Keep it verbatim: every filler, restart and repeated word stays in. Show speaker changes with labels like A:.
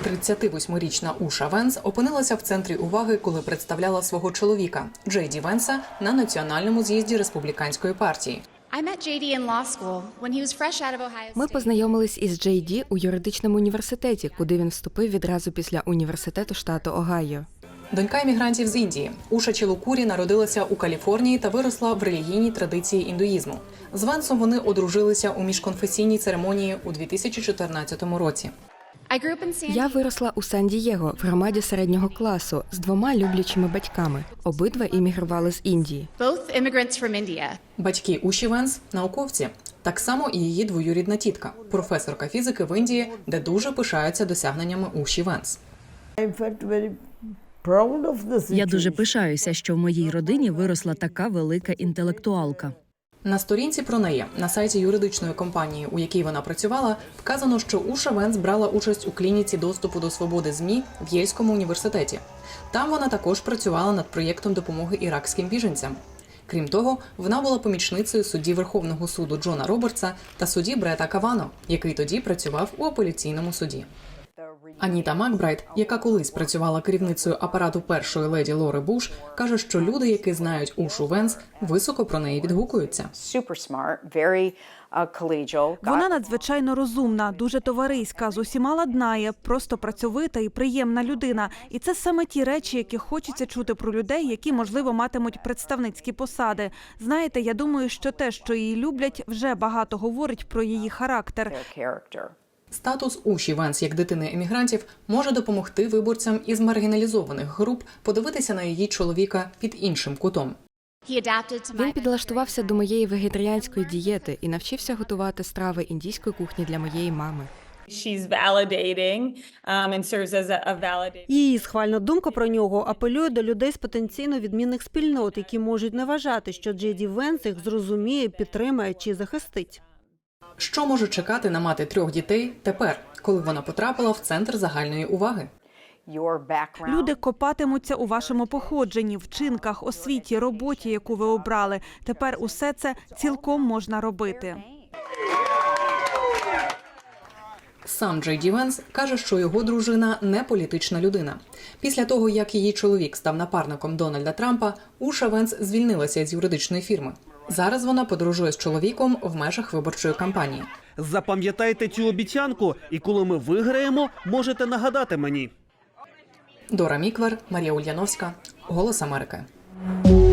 A: тридцятивосьмирічна Уша Венс опинилася в центрі уваги, коли представляла свого чоловіка Джей Ді Венса на національному з'їзді республіканської партії.
B: Ми познайомились із Джей Ді у юридичному університеті, куди він вступив відразу після університету штату Огайо.
A: Донька іммігрантів з Індії, Уша Чилукурі народилася у Каліфорнії та виросла в релігійній традиції індуїзму. З Венсом вони одружилися у міжконфесійній церемонії у дві тисячі чотирнадцятому році.
B: Я виросла у Сан-Дієго в громаді середнього класу з двома люблячими батьками. Обидва іммігрували з Індії.
A: Батьки Уші Венс – науковці. Так само і її двоюрідна тітка – професорка фізики в Індії, де дуже пишаються досягненнями Уші Венс.
C: Я дуже пишаюся, що в моїй родині виросла така велика інтелектуалка.
A: На сторінці про неї на сайті юридичної компанії, у якій вона працювала, вказано, що Уша Венс брала участь у клініці доступу до свободи ЗМІ в Єльському університеті. Там вона також працювала над проєктом допомоги іракським біженцям. Крім того, вона була помічницею судді Верховного суду Джона Робертса та судді Брета Кавано, який тоді працював у апеляційному суді. Аніта Макбрайт, яка колись працювала керівницею апарату першої леді Лори Буш, каже, що люди, які знають Ушу Венс, високо про неї відгукуються.
D: Вона надзвичайно розумна, дуже товариська, з усіма ладнає, просто працьовита і приємна людина. І це саме ті речі, які хочеться чути про людей, які, можливо, матимуть представницькі посади. Знаєте, я думаю, що те, що її люблять, вже багато говорить про її характер.
A: Статус Уші Венс як дитини емігрантів може допомогти виборцям із маргіналізованих груп подивитися на її чоловіка під іншим кутом.
B: Він підлаштувався до моєї вегетаріанської дієти і навчився готувати страви індійської кухні для моєї мами.
E: Її схвальна думка про нього апелює до людей з потенційно відмінних спільнот, які можуть не вважати, що Джей Ді Венс їх зрозуміє, підтримає чи захистить.
A: Що може чекати на мати трьох дітей тепер, коли вона потрапила в центр загальної уваги?
D: Люди копатимуться у вашому походженні, вчинках, освіті, роботі, яку ви обрали. Тепер усе це цілком можна робити.
A: Сам Джей Ді Венс каже, що його дружина не політична людина. Після того, як її чоловік став напарником Дональда Трампа, Уша Венс звільнилася з юридичної фірми. Зараз вона подорожує з чоловіком в межах виборчої кампанії.
F: Запам'ятайте цю обіцянку, і коли ми виграємо, можете нагадати мені.
A: Дора Міквер, Марія Ульяновська, Голос Америки.